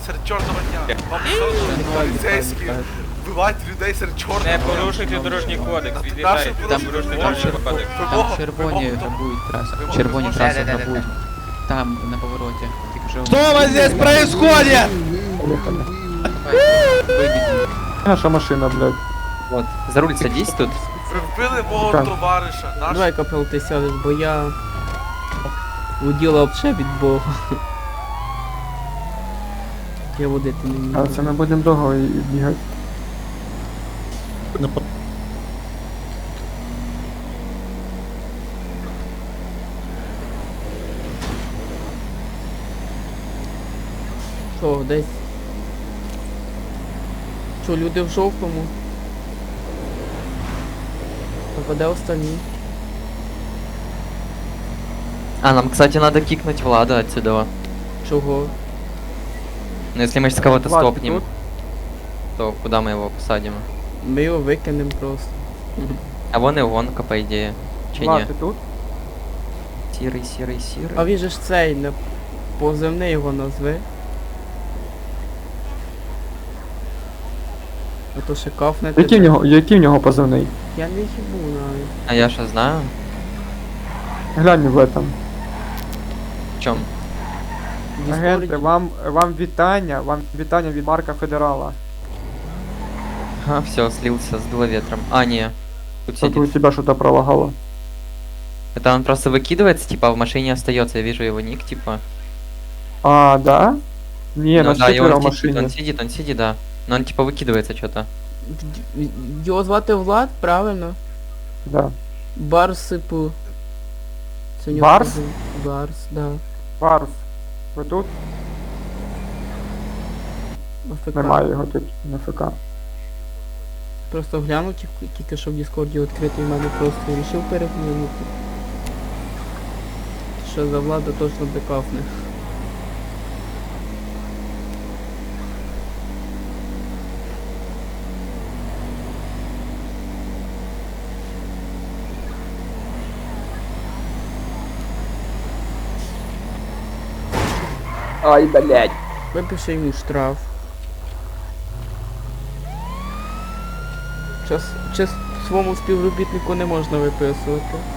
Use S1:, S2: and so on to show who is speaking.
S1: серед чорного дня. Вам що поліцейські вбивають людей серед чорного
S2: Не
S1: дня.
S2: порушуйте дорожній кодекс,
S1: Наші
S2: від'їжджайте, там
S1: порушують
S2: порушуйте
S1: дорожній
S2: дорожній
S1: кодекс.
S2: кодекс.
S3: Там червоні грабують трасу. Червоні траси грабують. Там, на повороті. Тільки що...
S4: Что у вас здесь происходит?
S3: Вибіді.
S5: Наша машина, блядь.
S6: Вот, за руль садись тут.
S1: Ви вбили мого
S5: Так.
S1: товариша. Наш...
S4: Давай, Капел, ти сядеш, бо я воділа вообще від Бога. Я водити не
S5: А
S4: вмію.
S5: це ми будемо довго і бігати.
S4: Що, десь? Що, люди в жовтому? А де остальні?
S6: А, нам, кстати, надо кикнуть Влада отсюда.
S4: Чого?
S6: Но если мы сейчас кого-то
S5: Влад, ты
S6: стопнем,
S5: тут?
S6: то куда мы его посадим?
S4: Ми його викинемо просто.
S6: А вон и гонка, по идее. Че
S5: Влад,
S6: не?
S5: ти тут?
S6: Сирый, сирый, сирый.
S4: А він же ж цей, не позивний його назви. А то ще кафне
S5: Який в нього позивний?
S4: Я не хібу навіть.
S6: А я что знаю?
S5: Глянь в этом.
S6: В чем?
S4: В
S5: Агенти,
S4: Діскорді.
S5: вам вітання від Марка Федерала.
S6: А, все, слился, сдуло ветром. А, не. Тут
S5: Тут у
S6: сидит.
S5: тебя что-то пролагало.
S6: Это он просто выкидывается, типа, а в машине остается. Я вижу его ник, типа.
S5: А, да? Не,
S6: Ну
S5: нас
S6: да, и
S5: четверо в
S6: он сидит,
S5: машине.
S6: он сидит, да. Но он типа выкидывается что-то.
S4: Його звати Влад, правильно?
S5: Да.
S4: Барсипу. Це у нього
S5: Барс?
S4: позив- Барс, да.
S5: Барс. Ви тут?
S4: АФК.
S5: Немає його тут на ФК.
S4: Просто глянув тільки що в Діскорді відкритий, в мене просто вирішив переглянути. Що за Влада точно бекафне.
S6: Ай, блядь.
S4: Випиши йому штраф. Час своєму співробітнику не можна виписувати.